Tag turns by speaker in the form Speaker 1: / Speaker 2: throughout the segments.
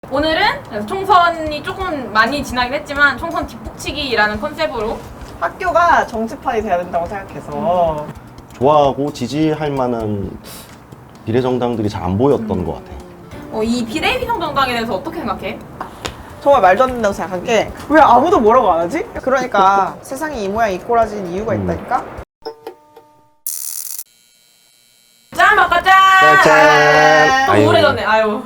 Speaker 1: 오늘은 총선이 조금 많이 지나긴 했지만 총선 뒷북치기라는 컨셉으로
Speaker 2: 학교가 정치판이 돼야 된다고 생각해서
Speaker 3: 좋아하고 지지할 만한 비례정당들이 잘 안 보였던 것 같아.
Speaker 1: 이 비례위성 정당에 대해서 어떻게 생각해?
Speaker 2: 정말 말도 안 된다고 생각한 게 왜 아무도 뭐라고 안 하지? 그러니까 세상이 이 모양 이 꼴아진 이유가 있다니까?
Speaker 1: 짠! 아까 짠!
Speaker 3: 짠!
Speaker 1: 또
Speaker 3: 아유.
Speaker 1: 우울해졌네. 아유.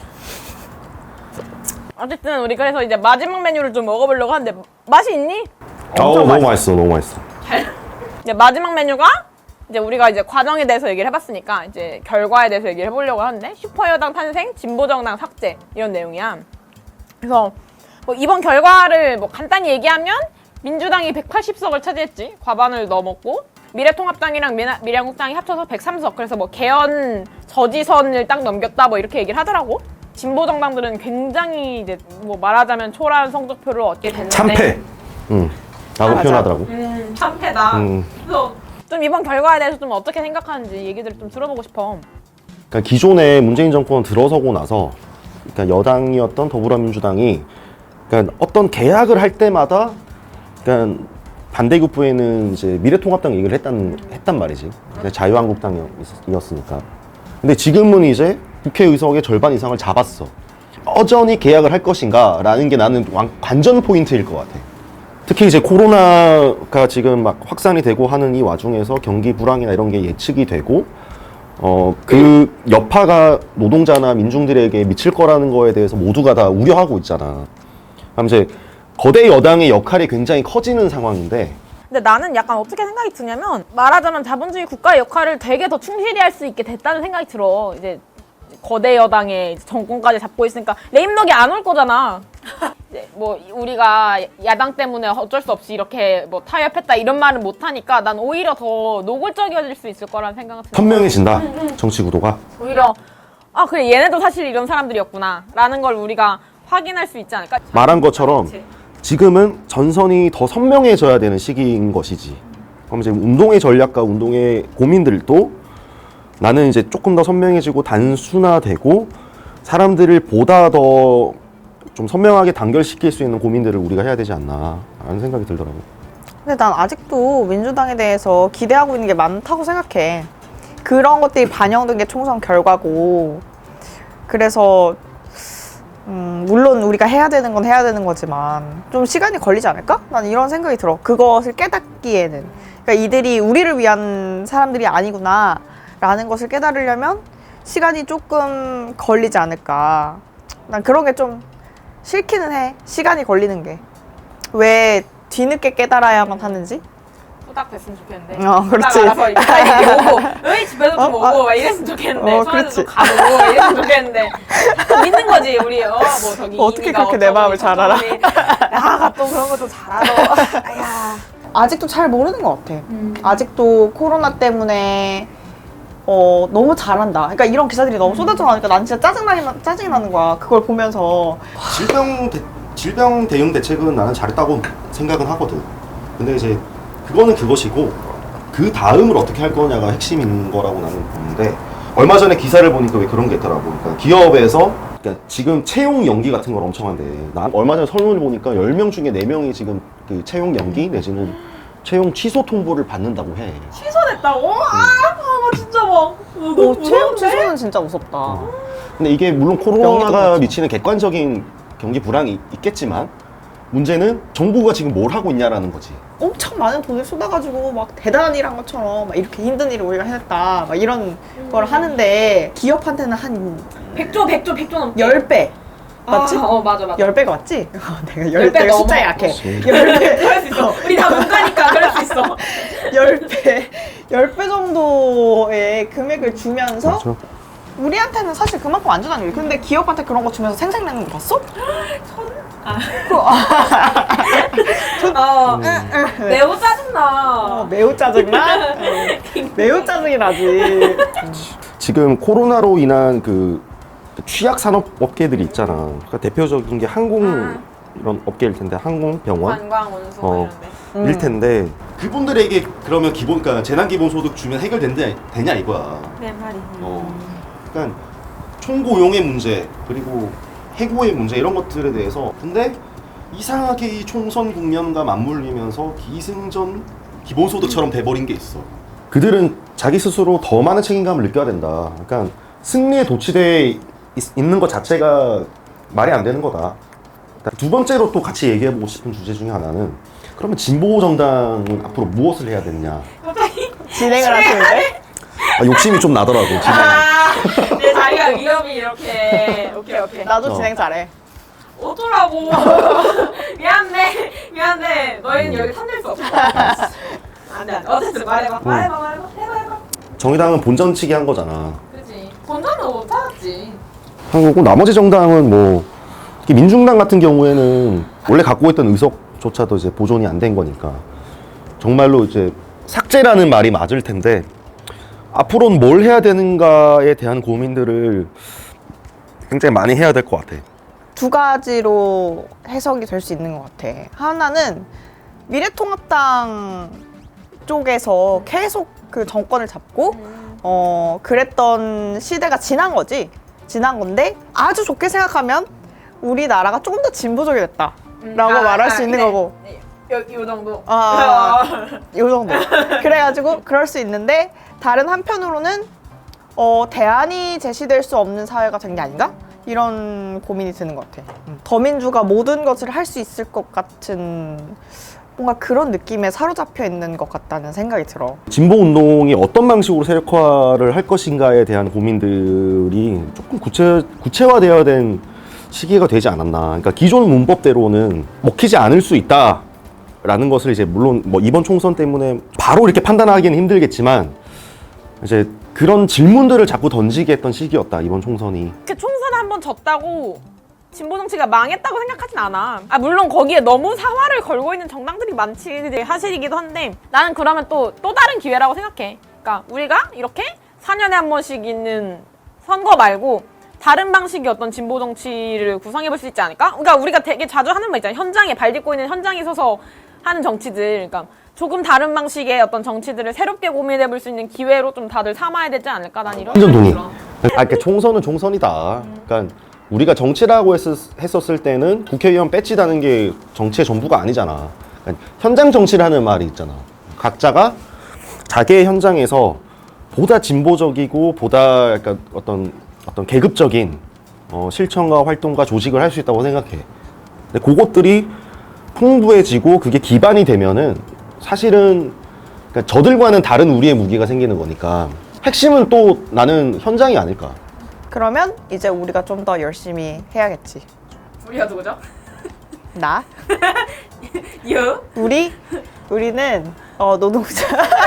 Speaker 1: 어쨌든 우리 그래서 이제 마지막 메뉴를 좀 먹어보려고 하는데 맛이 있니?
Speaker 3: 너무 맛있어, 너무 맛있어.
Speaker 1: 이제 마지막 메뉴가 이제 우리가 이제 과정에 대해서 얘기를 해봤으니까 이제 결과에 대해서 얘기를 해보려고 하는데 슈퍼여당 탄생, 진보정당 삭제 이런 내용이야. 그래서 뭐 이번 결과를 뭐 간단히 얘기하면 민주당이 180석을 차지했지. 과반을 넘었고 미래통합당이랑 미래한국당이 합쳐서 103석. 그래서 뭐 개헌 저지선을 딱 넘겼다 뭐 이렇게 얘기를 하더라고. 진보 정당들은 굉장히 이제 뭐 말하자면 초라한 성적표를 얻게 됐는데
Speaker 3: 참패. 라고
Speaker 2: 맞아.
Speaker 3: 표현하더라고.
Speaker 1: 참패다.
Speaker 3: 음.
Speaker 1: 그래서 좀 이번 결과에 대해서 좀 어떻게 생각하는지 얘기들을 좀 들어보고 싶어.
Speaker 3: 그러니까 기존에 문재인 정권 들어서고 나서 그러니까 여당이었던 더불어민주당이 그러니까 어떤 계약을 할 때마다 그러니까 반대급부에는 이제 미래통합당 얘기를 했단 말이지. 자유한국당이었으니까. 근데 지금은 이제 국회의석의 절반 이상을 잡았어. 여전히 계약을 할 것인가? 라는 게 나는 관전 포인트일 것 같아. 특히 이제 코로나가 지금 막 확산이 되고 하는 이 와중에서 경기 불황이나 이런 게 예측이 되고, 그 여파가 노동자나 민중들에게 미칠 거라는 거에 대해서 모두가 다 우려하고 있잖아. 그럼 이제 거대 여당의 역할이 굉장히 커지는 상황인데,
Speaker 1: 근데 나는 약간 어떻게 생각이 드냐면 말하자면 자본주의 국가의 역할을 되게 더 충실히 할 수 있게 됐다는 생각이 들어. 이제 거대 여당의 정권까지 잡고 있으니까 레임덕이 안 올 거잖아. 이제 뭐 우리가 야당 때문에 어쩔 수 없이 이렇게 뭐 타협했다 이런 말은 못 하니까 난 오히려 더 노골적이어질 수 있을 거라는 생각이 들어.
Speaker 3: 선명해진다. 정치 구도가.
Speaker 1: 오히려 아 그래 얘네도 사실 이런 사람들이었구나 라는 걸 우리가 확인할 수 있지 않을까?
Speaker 3: 말한 것처럼
Speaker 1: 그치.
Speaker 3: 지금은 전선이 더 선명해져야 되는 시기인 것이지. 그럼 이제 운동의 전략과 운동의 고민들도 나는 이제 조금 더 선명해지고 단순화되고 사람들을 보다 더 좀 선명하게 단결시킬 수 있는 고민들을 우리가 해야 되지 않나 라는 생각이 들더라고.
Speaker 2: 근데 난 아직도 민주당에 대해서 기대하고 있는 게 많다고 생각해. 그런 것들이 반영된 게 총선 결과고 그래서 물론 우리가 해야 되는 건 해야 되는 거지만 좀 시간이 걸리지 않을까? 난 이런 생각이 들어. 그것을 깨닫기에는. 그러니까 이들이 우리를 위한 사람들이 아니구나 라는 것을 깨달으려면 시간이 조금 걸리지 않을까. 난 그런 게 좀 싫기는 해. 시간이 걸리는 게. 왜 뒤늦게 깨달아야만 하는지?
Speaker 1: 후딱 됐으면 좋겠는데.
Speaker 2: 그렇지.
Speaker 1: 후딱 알아서 이렇게 오고, 왜 집에서 좀 오고 막 이랬으면 좋겠는데.
Speaker 2: 그렇지.
Speaker 1: 서울에서 가고 이랬으면 좋겠는데. 믿는 거지 우리 뭐 저기
Speaker 2: 어떻게
Speaker 1: 이미가
Speaker 2: 그렇게 내
Speaker 1: 어쩌고
Speaker 2: 마음을 잘 알아?
Speaker 1: 나가 또 그런 것도 잘 알아. 아야.
Speaker 2: 아직도 잘 모르는 것 같아. 아직도 코로나 때문에 너무 잘한다. 그러니까 이런 기사들이 너무 쏟아져 나오니까 난 진짜 짜증이 나는 거야. 그걸 보면서.
Speaker 3: 질병 대응 대책은 나는 잘했다고 생각은 하거든. 근데 이제 그거는 그것이고 그 다음을 어떻게 할 거냐가 핵심인 거라고 나는 보는데 얼마 전에 기사를 보니까 왜 그런 게 있더라고. 그러니까 기업에서 그러니까 지금 채용 연기 같은 걸 엄청 한대. 난 얼마 전에 설문을 보니까 10명 중에 4명이 지금 그 채용 연기 내지는 채용 취소 통보를 받는다고 해.
Speaker 1: 취소됐다고? 아 진짜 막.
Speaker 2: 채용 취소는 진짜 무섭다.
Speaker 3: 근데 이게 물론 코로나가 미치는 객관적인 경기 불황이 있겠지만 문제는 정부가 지금 뭘 하고 있냐라는 거지.
Speaker 2: 엄청 많은 돈을 쏟아가지고 막 대단한 일 한 것처럼 막 이렇게 힘든 일을 우리가 해냈다. 막 이런 걸 하는데 기업한테는 한
Speaker 1: 100조 넘게.
Speaker 2: 10배. 맞지?
Speaker 1: 맞아.
Speaker 2: 10배가 맞지? 내가
Speaker 1: 10배
Speaker 2: 10배가
Speaker 1: 넘어.
Speaker 2: 숫자에 약해.
Speaker 3: 그렇지.
Speaker 2: 10배.
Speaker 1: 그럴 수 있어. 우리 다 문과니까 그럴 수 있어.
Speaker 2: 10배 정도의 금액을 주면서
Speaker 3: 그렇죠.
Speaker 2: 우리한테는 사실 그만큼 안 주다는 얘기. 근데 기업한테 그런 거 주면서 생색내는 거 봤어?
Speaker 1: 매우 짜증나.
Speaker 2: 매우 짜증나? 매우 짜증이 나지.
Speaker 3: 지금 코로나로 인한 그 취약 산업 업계들이 있잖아. 그러니까 대표적인 게 항공 이런 업계일 텐데 항공, 병원
Speaker 1: 관광, 운송 이런데.
Speaker 3: 일 텐데 그분들에게 그러면 그러니까 재난 기본 소득 주면 해결되냐 이거야.
Speaker 1: 내 말이.
Speaker 3: 그러니까 총고용의 문제 그리고 해고의 문제 이런 것들에 대해서 근데 이상하게 이 총선 국면과 맞물리면서 기승전 기본소득처럼 돼버린 게 있어. 그들은 자기 스스로 더 많은 책임감을 느껴야 된다. 그러니까 승리에 도취돼 있는 것 자체가 말이 안 되는 거다. 두 번째로 또 같이 얘기해보고 싶은 주제 중에 하나는 그러면 진보 정당은 앞으로 무엇을 해야 되느냐.
Speaker 2: 진행을 하시는데?
Speaker 3: 욕심이 좀 나더라고. 진행.
Speaker 1: 내 자리가 위험이 이렇게. 오케이.
Speaker 2: 나도 진행 잘해.
Speaker 1: 어쩌라고. 미안해. 너희는 여기 탐낼 수 없어. 안돼. 어쨌든 말해봐. 해봐.
Speaker 3: 정의당은 본전치기 한 거잖아.
Speaker 1: 그치. 본전은 못 찾았지.
Speaker 3: 한 거고 나머지 정당은 뭐 특히 민중당 같은 경우에는 원래 갖고 있던 의석조차도 이제 보존이 안 된 거니까 정말로 이제 삭제라는 말이 맞을 텐데 앞으로는 뭘 해야 되는가에 대한 고민들을 굉장히 많이 해야 될 것 같아.
Speaker 2: 두 가지로 해석이 될 수 있는 것 같아. 하나는 미래통합당 쪽에서 계속 그 정권을 잡고 그랬던 시대가 지난 거지. 지난 건데 아주 좋게 생각하면 우리나라가 조금 더 진보적이 됐다라고 말할 수 있는 거고.
Speaker 1: 요 정도.
Speaker 2: 요 정도. 그래가지고 그럴 수 있는데 다른 한편으로는 대안이 제시될 수 없는 사회가 된 게 아닌가? 이런 고민이 드는 것 같아. 더민주가 모든 것을 할 수 있을 것 같은 뭔가 그런 느낌에 사로잡혀 있는 것 같다는 생각이 들어.
Speaker 3: 진보 운동이 어떤 방식으로 세력화를 할 것인가에 대한 고민들이 조금 구체화되어야 된 시기가 되지 않았나. 그러니까 기존 문법대로는 먹히지 않을 수 있다라는 것을 이제 물론 뭐 이번 총선 때문에 바로 이렇게 판단하기는 힘들겠지만 이제 그런 질문들을 자꾸 던지게 했던 시기였다 이번 총선이.
Speaker 1: 그 총선 한 번 졌다고 진보 정치가 망했다고 생각하진 않아. 물론 거기에 너무 사활을 걸고 있는 정당들이 많지 사실이기도 한데 나는 그러면 또 다른 기회라고 생각해. 그러니까 우리가 이렇게 4년에 한 번씩 있는 선거 말고 다른 방식의 어떤 진보 정치를 구성해 볼 수 있지 않을까? 그러니까 우리가 되게 자주 하는 말 있잖아. 현장에 발 딛고 있는 현장에 서서 하는 정치들. 그러니까 조금 다른 방식의 어떤 정치들을 새롭게 고민해 볼 수 있는 기회로 좀 다들 삼아야 되지 않을까? 난 이런
Speaker 3: 완전
Speaker 1: 생각이
Speaker 3: 동의.
Speaker 1: 들어.
Speaker 3: 그러니까 총선은 총선이다. 그러니까 우리가 정치라고 했었을 때는 국회의원 배지다는 게 정치의 전부가 아니잖아. 그러니까 현장 정치라는 말이 있잖아. 각자가 자기의 현장에서 보다 진보적이고 보다 약간 어떤 계급적인 실천과 활동과 조직을 할 수 있다고 생각해. 근데 그것들이 풍부해지고 그게 기반이 되면은 사실은 그러니까 저들과는 다른 우리의 무기가 생기는 거니까 핵심은 또 나는 현장이 아닐까.
Speaker 2: 그러면 이제 우리가 좀 더 열심히 해야겠지.
Speaker 1: 우리가 누구죠?
Speaker 2: 나?
Speaker 1: 유?
Speaker 2: 우리는 노동자.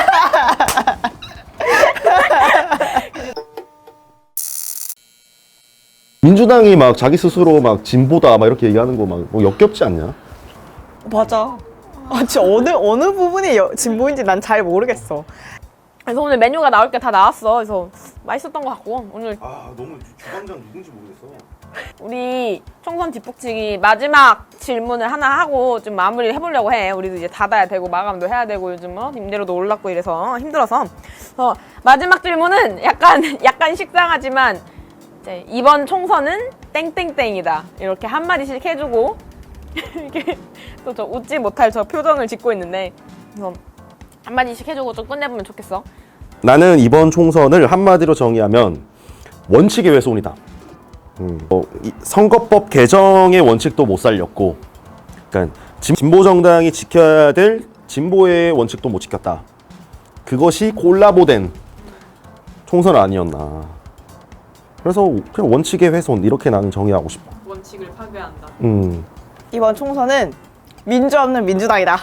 Speaker 3: 민주당이 막 자기 스스로 막 진보다 막 이렇게 얘기하는 거 막 역겹지 않냐?
Speaker 2: 맞아. 진짜 어느 부분이 진보인지 난 잘 모르겠어.
Speaker 1: 그래서 오늘 메뉴가 나올 게 다 나왔어. 그래서 맛있었던 것 같고 오늘
Speaker 3: 너무 주방장 누군지 모르겠어.
Speaker 1: 우리 총선 뒷북치기 마지막 질문을 하나 하고 좀 마무리를 해보려고 해. 우리도 이제 닫아야 되고 마감도 해야 되고 요즘 임대료도 올랐고 이래서 힘들어서. 그래서 마지막 질문은 약간 식상하지만 이제 이번 총선은 땡땡땡이다 이렇게 한 마디씩 해주고 이렇게 또 저 웃지 못할 저 표정을 짓고 있는데 그래서 한 마디씩 해주고 좀 끝내보면 좋겠어.
Speaker 3: 나는 이번 총선을 한마디로 정의하면 원칙의 훼손이다. 이 선거법 개정의 원칙도 못 살렸고, 그러니까 진보 정당이 지켜야 될 진보의 원칙도 못 지켰다. 그것이 콜라보된 총선 아니었나. 그래서 그냥 원칙의 훼손 이렇게 나는 정의하고 싶어.
Speaker 1: 원칙을 파괴한다.
Speaker 2: 이번 총선은 민주 없는 민주당이다.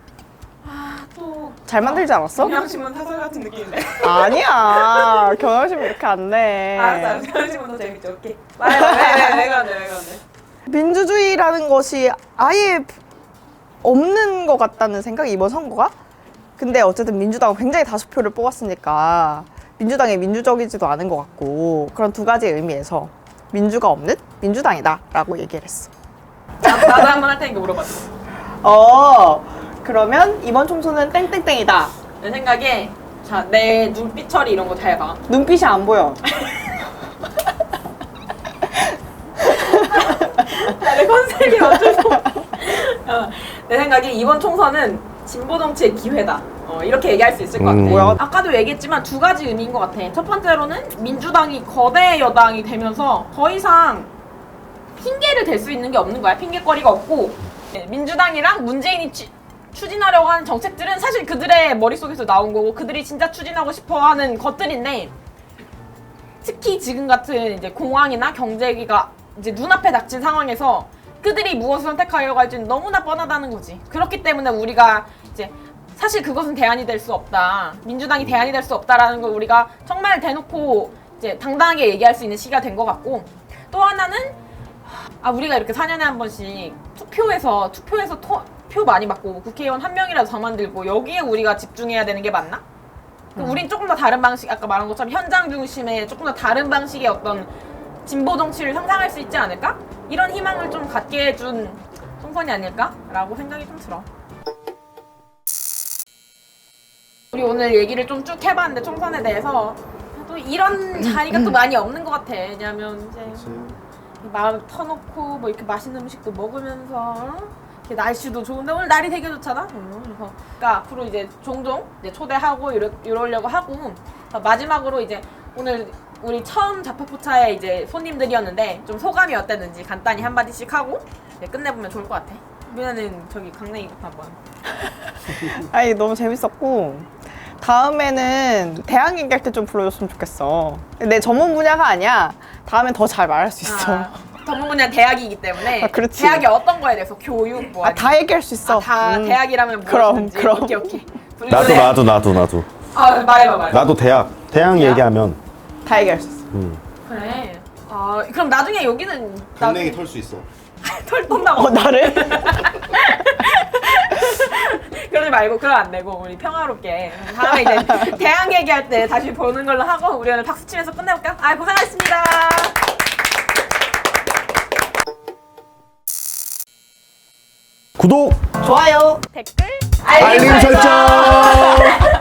Speaker 1: 또
Speaker 2: 잘 만들지 않았어?
Speaker 1: 경향신문 사설 같은 느낌인데.
Speaker 2: 아니야. 경향신문 이렇게 안 내.
Speaker 1: 알았어. 경향신문 더 재밌죠. 오케이. 왜 그런데.
Speaker 2: 민주주의라는 것이 아예 없는 것 같다는 생각이 이번 선거가? 근데 어쨌든 민주당은 굉장히 다수표를 뽑았으니까 민주당이 민주적이지도 않은 것 같고 그런 두 가지 의미에서 민주가 없는 민주당이다 라고 얘기를 했어.
Speaker 1: 나도 한번 할 테니까 물어봤어.
Speaker 2: 그러면 이번 총선은 땡땡땡이다.
Speaker 1: 내 생각에 자, 내 눈빛 처리 이런 거 잘 봐.
Speaker 2: 눈빛이 안 보여.
Speaker 1: 내 생각에 이번 총선은 진보 정치의 기회다. 이렇게 얘기할 수 있을 것 같아.
Speaker 2: 뭐야?
Speaker 1: 아까도 얘기했지만 두 가지 의미인 것 같아. 첫 번째로는 민주당이 거대 여당이 되면서 더 이상 핑계를 댈 수 있는 게 없는 거야. 핑계거리가 없고 민주당이랑 문재인이 추진하려고 하는 정책들은 사실 그들의 머릿속에서 나온 거고 그들이 진짜 추진하고 싶어 하는 것들인데 특히 지금 같은 이제 공황이나 경제 위기가 이제 눈앞에 닥친 상황에서 그들이 무엇을 선택하려고 할지는 너무나 뻔하다는 거지. 그렇기 때문에 우리가 이제 사실 그것은 대안이 될 수 없다. 민주당이 대안이 될 수 없다라는 걸 우리가 정말 대놓고 이제 당당하게 얘기할 수 있는 시기가 된 것 같고 또 하나는 우리가 이렇게 4년에 한 번씩 투표해서 표 많이 받고 국회의원 한 명이라도 더 만들고 여기에 우리가 집중해야 되는 게 맞나? 우린 조금 더 다른 방식, 아까 말한 것처럼 현장 중심의 조금 더 다른 방식의 어떤 진보 정치를 상상할 수 있지 않을까? 이런 희망을 좀 갖게 해준 총선이 아닐까라고 생각이 좀 들어. 우리 오늘 얘기를 좀 쭉 해봤는데 총선에 대해서 또 이런 자리가 또 많이 없는 것 같아. 왜냐면 이제 마음 터놓고 뭐 이렇게 맛있는 음식도 먹으면서 이렇게 날씨도 좋은데 오늘 날이 되게 좋잖아. 그래서 그러니까 앞으로 이제 종종 이제 초대하고 이러려고 하고 마지막으로 이제 오늘 우리 처음 자포포차의 이제 손님들이었는데 좀 소감이 어땠는지 간단히 한마디씩 하고 끝내보면 좋을 것 같아. 그러면은 저기 강냉이부터 한번.
Speaker 2: 아니 너무 재밌었고 다음에는 대학 얘기할 때 좀 불러줬으면 좋겠어. 내 전문 분야가 아니야. 다음엔 더 잘 말할 수 있어.
Speaker 1: 전문 분야 대학이기 때문에
Speaker 2: 그렇지.
Speaker 1: 대학이 어떤 거에 대해서 교육 뭐 아니면
Speaker 2: 다 얘기할 수 있어.
Speaker 1: 다 대학이라면
Speaker 2: 그럼,
Speaker 1: 무엇인지.
Speaker 2: 그럼.
Speaker 1: 오케이.
Speaker 3: 나도.
Speaker 1: 말해봐.
Speaker 3: 나도 대학 얘기하면
Speaker 2: 다 얘기할 수 있어.
Speaker 1: 그래. 그럼 나중에 여기는
Speaker 3: 강냉이 털 수 있어.
Speaker 1: 털 떤다고.
Speaker 2: 나를?
Speaker 1: 그러지 말고 그럼 안 되고 우리 평화롭게 다음에 이제 대학 얘기할 때 다시 보는 걸로 하고 우리 오늘 박수 치면서 끝내볼까? 고생하셨습니다.
Speaker 3: 구독,
Speaker 2: 좋아요.
Speaker 1: 댓글
Speaker 3: 알림 설정.